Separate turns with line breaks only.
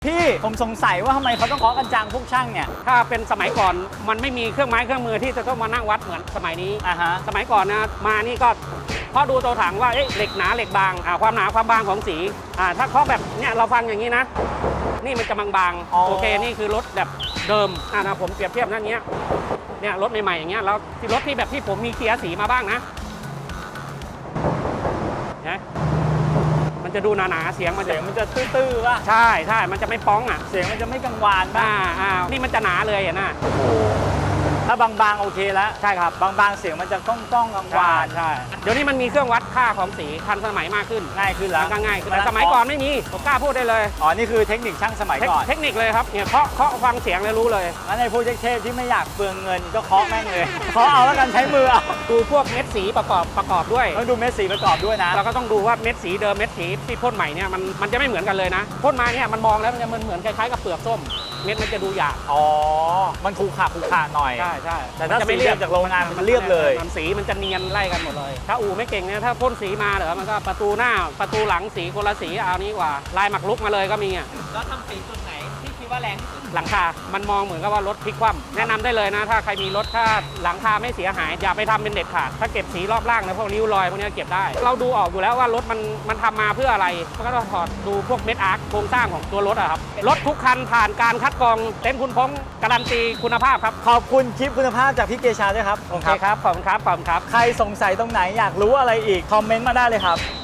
พี่ผมสงสัยว่าทำไมเขาต้องเคาะกันจังพวกช่างเนี่ย
ถ้าเป็นสมัยก่อนมันไม่มีเครื่องไม้เครื่องมือที่จะต้องมานั่งวัดเหมือนสมัยนี้สมัยก่อนนะมานี่ก็เพราะดูตัวถังว่าเหล็กหนาเหล็กบางความหนาความบางของสีถ้าเคาะแบบเนี่ยเราฟังอย่างนี้นะนี่มันจะบางๆโอเคนี่คือรถแบบเดิมนะผมเปรียบเทียบนั่นเนี้ยเนี่ยรถใหม่ๆอย่างเงี้ยแล้วรถที่แบบที่ผมมีเกียร์สีมาบ้างนะมันจะดูหนาๆเสียงมัน
จะตื้อๆป่ะ
ใช่มันจะไม่ป้อง
เสียงมันจะไม่กังวานป่ะ
นี่มันจะหนาเลยนะ
ถ้าบางๆโอเคแล้ว
ใช่ครับ
บางๆเสียงมันจะก้องกังวาน
ใช่เดี๋ยวนี้มันมีเครื่องวัดค่าของสีทันสมัยมากขึ้น
ง่ายขึ้นแล้ว
ง่ายขึ้นแต่สมัยก่อนไม่มีผมกล้าพูดได้เลย
นี่คือเทคนิคช่างสมัยก่อน
เทคนิคเลยครับเนี่ยเคาะฟังเสียงเลยรู้เลย
งั้นในพวกเทพที่ไม่อยากเปลืองเงินก็เคาะแม่งเลยเคาะเอาแล้วกันใช้มือเอา
ดูพวกเม็ดสีประกอบด้วย
ต้องดูเม็ดสีประกอบด้วยนะ
เราก็ต้องดูว่าเม็ดสีเดิมเม็ดสีที่พ่นใหม่เนี่ยมันจะไม่เหมือนกันเลยนะพ่นมาเนี่ยมันมองแล้วมันเหมือนคล้ายๆกับเปลือกส้มเม็ดมันจะดูหยาบ
มันขูขาหน่อย
ใช่
แต่ถ้าสีเรียบจากโรงงานมันเรียบเลย
สีมันจะเนียนไล่กันหมดเลยถ้าอู่ไม่เก่งเนี่ยถ้าพ่นสีมาเหรอมันก็ประตูหน้าประตูหลังสีคนละสีเอานี้กว่าลายหมักลุกมาเลยก็มี
แล้วทำสีจุดไหนที่คิดว่าแรงที่สุด
หลังคามันมองเหมือนกับว่ารถพลิกคว่ำแนะนำได้เลยนะถ้าใครมีรถถ้าหลังคาไม่เสียหายอย่าไปทำเป็นเด็ดขาดถ้าเก็บสีรอบล่างนะพวกริ้วรอยพวกนี้เก็บได้เราดูออกอยู่แล้วว่ารถมันทำมาเพื่ออะไรก็ต้องถอดดูพวกเม็ดอาร์คโครงสร้างของตัวรถอะครับรถทุกคันผ่านการคัดกรองเต็นท์คุณพงษ์การันตีคุณภาพครับ
ขอบคุณคลิปคุณภาพจากพี่เกชาด้วยครับ
โอเคครับขอบคุณครับ
ใครสงสัยตรงไหนอยากรู้อะไรอีกคอมเมนต์มาได้เลยครับ